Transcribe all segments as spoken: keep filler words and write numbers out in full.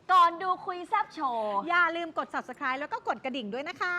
ก่อนดูคุยแซบโชว์อย่าลืมกด ซับสไครบ์ แล้วก็กดกระดิ่งด้วยนะคะ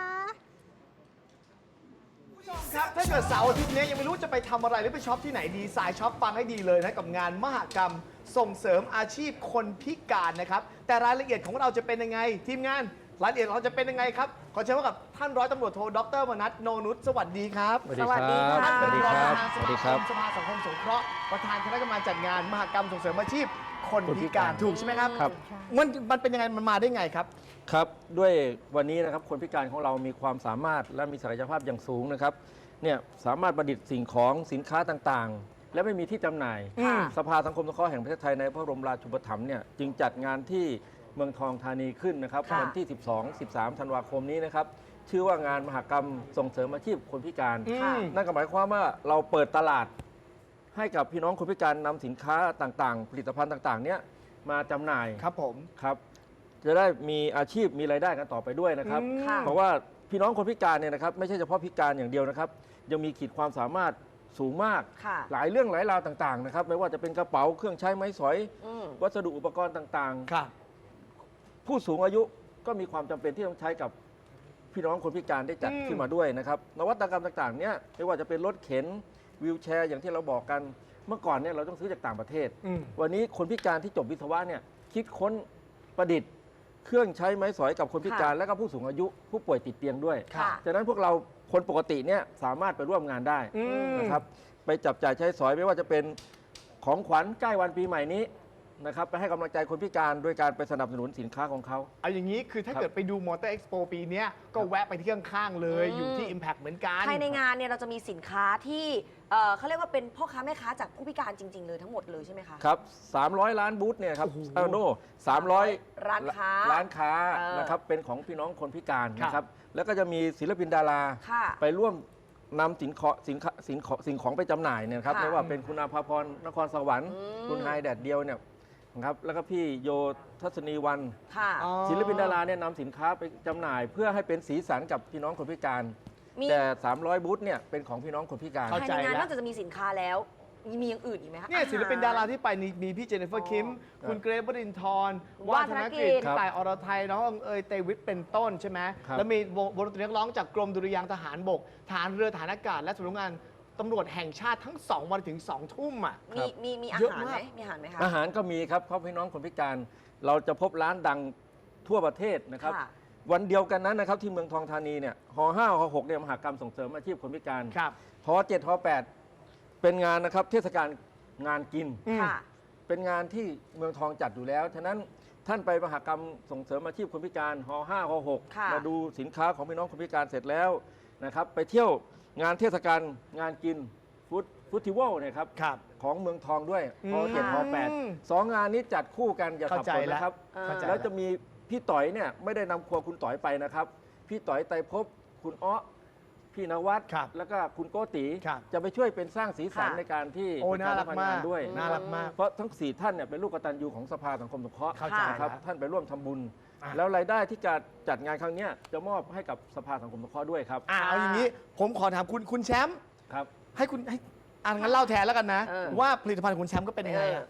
ครับถ้าเกิดเสาร์อาทิตย์นี้ยังไม่รู้จะไปทำอะไรหรือไปช็อปที่ไหนดีสายช็อปฟังให้ดีเลยนะกับงานมหกรรมส่งเสริมอาชีพคนพิการนะครับแต่รายละเอียดของเราจะเป็นยังไงทีมงานรายละเอียดเราจะเป็นยังไงครับขอเชิญพบกับท่านร้อยตำรวจโทดรมนัสโนนุชสวัสดีครับสวัสดีครับท่านเป็นรองประธานสสวัสดีมาคครับ มสภาสังคมสงเคราะห์ประธานคณะกรรมการจัดงานมหกรรมส่งเสริมอาชีพคนพิการถูกใช่ไหมครับครับมันมันเป็นยังไงมันมาได้ไงครับครับด้วยวันนี้นะครับคนพิการของเรามีความสามารถและมีศักยภาพอย่างสูงนะครับเนี่ยสามารถประดิษฐ์สิ่งของสินค้าต่างๆ และไม่มีที่จำหน่ายอืมสภาสังคมสงเคราะห์แห่งประเทศไทยในพระบรมราชูปถัมภ์เนี่ยจึงจัดงานที่เมืองทองธานีขึ้นนะครับค่ะวันที่ สิบสอง สิบสาม ธันวาคมนี้นะครับชื่อว่างานมหกรรมส่งเสริมอาชีพคนพิการอืมนั่นก็หมายความว่าเราเปิดตลาดให้กับพี่น้องคนพิการนำสินค้าต่างๆ ผลิตภัณฑ์ต่างๆเนี่ยมาจำหน่ายครับผมครับจะได้มีอาชีพมีรายได้กันต่อไปด้วยนะครับอืมค่ะเพราะว่าพี่น้องคนพิการเนี่ยนะครับไม่ใช่เฉพาะพิการอย่างเดียวนะครับยังมีขีดความสามารถสูงมากค่ะหลายเรื่องหลายราวต่างๆนะครับไม่ว่าจะเป็นกระเป๋าเครื่องใช้ไม้สอยอืมวัสดุอุปกรณ์ต่างครับๆ ผู้สูงอายุก็มีความจำเป็นที่ต้องใช้กับพี่น้องคนพิการได้จัดอืมขึ้นมาด้วยนะครับนวัตกรรมต่างๆเนี่ยไม่ว่าจะเป็นรถเข็นวีลแชร์อย่างที่เราบอกกันเมื่อก่อนเนี่ยเราต้องซื้อจากต่างประเทศอืมวันนี้คนพิการที่จบวิศวะเนี่ยคิดค้นประดิษฐ์ เครื่องใช้ไม้สอยกับคนพิการค่ะและก็ผู้สูงอายุผู้ป่วยติดเตียงด้วยค่ะฉะนั้นพวกเราคนปกติเนี่ยสามารถไปร่วมงานได้อืมนะครับไปจับจ่ายใช้สอยไม่ว่าจะเป็นของขวัญใกล้วันปีใหม่นี้นะครับไปให้กำลังใจคนพิการโดยการไปสนับสนุนสินค้าของเขาเอาอย่างนี้คือถ้าครับเกิดไปดูมอเตอร์เอ็กซ์โปปีเนี้ยก็แวะไปที่ข้างๆเลยอืมอยู่ที่ Impact เหมือนกันภายในงานเนี่ยเราจะมีสินค้าที่เอ่อเขาเรียกว่าเป็นพ่อค้าแม่ค้าจากผู้พิการจริง ๆ เลยทั้งหมดเลยใช่ไหมคะครับสามร้อยล้านบูธเนี่ยครับโอ้โหเออโน่สามร้อยร้านค้าร้านค้าเออนะครับเป็นของพี่น้องคนพิการครับนะครับแล้วก็จะมีศิลปินดาราค่ะไปร่วมนำสินของสินค้าสินของสิ่งของไปจำหน่ายเนี่ยนะครับค่ะไม่ว่าเป็นคุณอาภาพรนครสวรรค์อืมคุณไฮแดดเดียวเนี่ยนะครับแล้วก็พี่โยทัศนีวันค่ะอ๋อศิลปินดาราเนี่ยนำสินค้าไปจำหน่าย เพื่อให้เป็นสีสันกับพี่น้องคนพิการมีแต่ สามร้อย บูธเนี่ยเป็นของพี่น้องคนพิการเข้าภายใจในงานแล้วนอกจากจะมีสินค้าแล้ว มีมีอย่างอื่นอีกไหมคะเนี่ยอหศิลปินดาราที่ไปนี่มีพี่เจเนฟเฟอร์คิมครับคุณเกรฟวรินทร์วาว่าฒธนนกิกิจจต่ายอรไทยน้องเอยเตวิทเป็นต้นใช่ไหมครับแล้วมีวงวงดนตรีนักร้องจากกรมดุริยางค์ทหารบกฐานเรือฐานอากาศและสำนักงานตำรวจแห่งชาติทั้งสองวันถึงสองทุ่มอ่ะมีมีมีอาเยอะหารมากไหมมีอาหารไหมคะอาหารก็มีครับเพราะพี่น้องคนพิการ เราจะพบร้านดังทั่วประเทศนะครับค่ะวันเดียวกันนั้นนะครับที่เมืองทองธานีเนี่ยหห้าหหกเนี่ยมหกรรมส่งเสริมอาชีพคนพิการครับหเจ็ดหแปดเป็นงานนะครับเทศกาลงานกินอืมค่ะเป็นงานที่เมืองทองจัดอยู่แล้ว ฉะนั้นท่านไปมหกรรมส่งเสริมอาชีพคนพิการหห้าหหกค่ะมาดูสินค้าของพี่น้องคนพิการเสร็จแล้วนะครับไปเที่ยวงานเทศกาลงานกินฟู้ดฟู้ดทิวัลเนี่ยครับครับของเมืองทองด้วยอืมหเจ็ดหแปดสองงานนี้จัดคู่กันอย่าสับเข้าใจสนนะครับแล้วเข้าใจแล้วจะมีพี่ต่อยเนี่ยไม่ได้นำครัวคุณต่อยไปนะครับ พี่ต่อยไตรภพคุณอ้อพี่นวัดครับแล้วก็คุณโกติครับจะไปช่วยเป็นสร้างสีสันค่ะในการที่โอ้ประชน่ารักสัมพันธ์มากงนด้วยน่ารักมากเพราะทั้งสี่ท่านเนี่ยเป็นลูกกตัญญูของสภาสังคมสงเคราะห์เข้าใจนะครับแล้วท่านไปร่วมทำบุญอ่ะแล้วรายได้ที่จะจัดงานครั้งเนี้ยจะมอบให้กับสภาสังคมสงเคราะห์ด้วยครับอ่าเอาอย่างนี้ผมขอถามคุณคุณแชมป์ครับให้คุณให้อ่างั้นเล่าแทนแล้วกันนะเออว่าผลิตภัณฑ์ของคุณแชมป์ก็เป็นยังไงอะ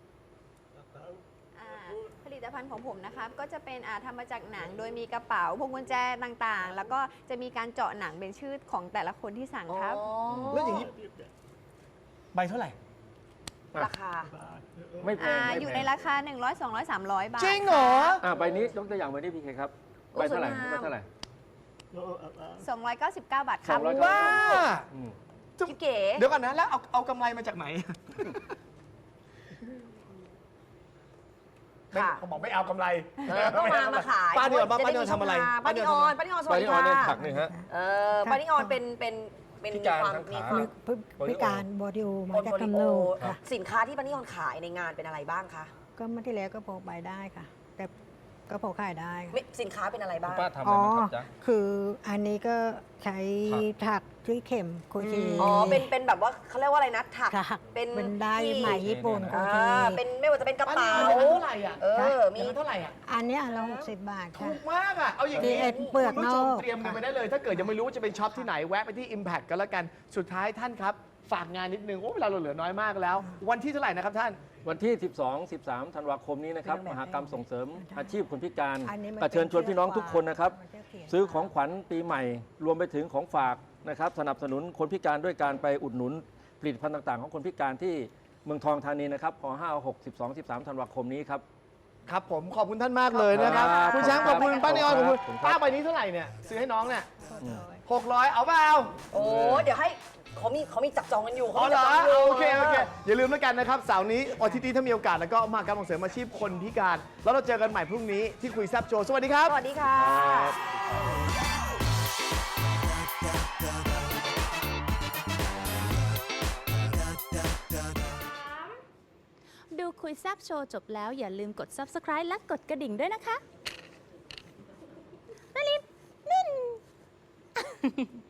อ่าผลิตภัณฑ์ของผมนะคะก็จะเป็นอ่าทำมาจากหนังโดยมีกระเป๋าพวงกุญแจต่างๆ แล้วก็จะมีการเจาะหนังเป็นชื่อของแต่ละคนที่สั่งครับอ๋อแล้วอย่างนี้ใบเท่าไหร่ราคาไม่แพอ่างไม่อยู่แพในงราคา หนึ่งร้อย สองร้อย สามร้อย บาทจริงเหรออ่ะใบนี้ยกตัวอย่างใบนี้พี่เคครับโอ้ใบเท่าไหร่สวยงามใบเท่าไหร่สองร้อยเก้าสิบเก้า บาทครับสองร้อยเก้าสิบว้าอืมพี่เก๋เดี๋ยวก่อนนะ แล้วเอาเอากำไรมาจากไหนไม่ค่ะเขาบอกไม่เอากำไรเออต้องมามาขายป้าเดือนจะป้าได้เดือนมีทำอะไรช่งทางป้านิออนป้านิออนสใบวัสดีนี้ออนเนี่ยค่ะถักหนึ่งฮะเออป้านิออนเป็นเป็นเป็นพิการความทางมีขาความพิพิการบอดิโอมาจากโปรกำโเนิดค่ะสินค้าที่ป้านิออนขายในงานเป็นอะไรบ้างคะก็เมื่อที่แล้วก็พอไปได้ค่ะ แต่ก็พอขายได้ค่ะไม่สินค้าเป็นอะไรคุณบ้างป้าทำอะไรอ๋อบ้างครับจ๊ะคืออันนี้ก็ใช้ถักด้วยเข็มโคชีอ๋อเป็นเป็นแบบว่าเขาเรียกว่าอะไรนะถักถักเป็นเป็นได้ที่ไหมญี่ปุ่นโคอ่าชีเป็นไม่ว่าจะเป็นกระป้าเป๋าเดือนเท่าไหร่อ่ะเออมีเดือนเท่าไหร่อ่ะอันเนี้ยเราหกสิบบาทถูค่ะกมากอ่ะ เอาอย่างนี้ที่ไอ้เปลือกคุณผู้ชมนอกเตรียมกันไปได้เลย ถ้าเกิดยังไม่รู้ว่าจะเป็นช็อปที่ไหนแวะไปที่ Impact กันแล้วกัน สุดท้ายท่านครับ ฝากงานนิดนึง โอ้เวลาเราเหลือน้อยมากแล้ว วันที่เท่าไหร่นะครับท่านวันที่ สิบสอง สิบสาม ธันวาคมนี้นะครับเป็นมแบบหกรรมส่งเสริมอาชีพคนพิการอันนี้มันก็เชิญชวนพี่น้องทุกคนนะครับมันจะเขียนซื้อของขวัญปีใหม่ รวมไปถึงของฝากนะครับ สนับสนุนคนพิการด้วยการไปอุดหนุนผลิตภัณฑ์ต่างๆ ของคนพิการที่เมืองทองธานีนะครับพห้า หก สิบสอง สิบสาม ธันวาคมนี้ครับครับผมขอบคุณท่านมากเลยนะครับครับคุณช้างขอบคุณป้านิออนขอบคุณขอบคุณครับป้าใบนี้เท่าไหร่เนี่ยซื้อให้น้องเนี่ยอืมหกร้อยเอาเปล่าโอ้เดี๋ยวให้เขามีเขามีจับจองกันอยู่อ๋อเหรอมีจับจงยู่โอเคโอเคอย่าลืมแล้วกันนะครับเสาร์นี้อาทิตย์นี้ถ้ามีโอกาสแล้วก็มหกรรมส่งเสริมอาชีพคนพิการ แล้วเราเจอกันใหม่พรุ่งนี้ที่คุยแซบโชว์สวัสดีครับสวัสดีค่ะดูคุยแซบโชว์จบแล้วอย่าลืมกด ซับสไครบ์ และกดกระดิ่งด้วยนะคะนารินนิน